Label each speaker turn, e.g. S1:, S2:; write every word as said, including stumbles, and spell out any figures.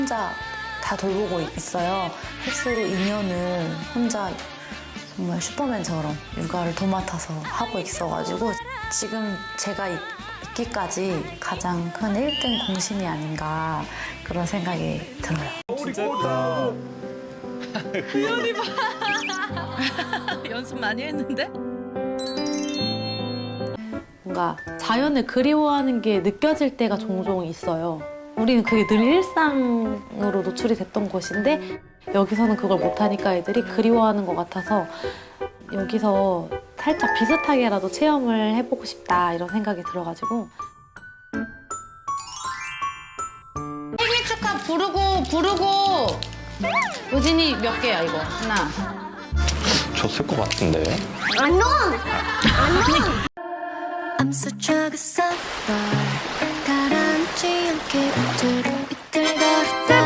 S1: 혼자 다 돌보고 있어요. 햇수로 이 년을 혼자 정말 슈퍼맨처럼 육아를 도맡아서 하고 있어가지고 지금 제가 있, 있기까지 가장 큰 일 등 공신이 아닌가 그런 생각이 들어요.
S2: 진짜 예쁘다.
S3: 우연히 봐. 연습 많이 했는데?
S4: 뭔가 자연을 그리워하는 게 느껴질 때가 종종 있어요. 우리는 그게 늘 일상으로 노출이 됐던 곳인데 여기서는 그걸 못하니까 애들이 그리워하는 것 같아서 여기서 살짝 비슷하게라도 체험을 해보고 싶다 이런 생각이 들어가지고.
S5: 생일 축하 부르고 부르고. 우진이 몇 개야 이거? 하나.
S6: 줬을 것 같은데.
S7: I'm so drug suffer 가라앉지 않게 빗들 빗들 거리다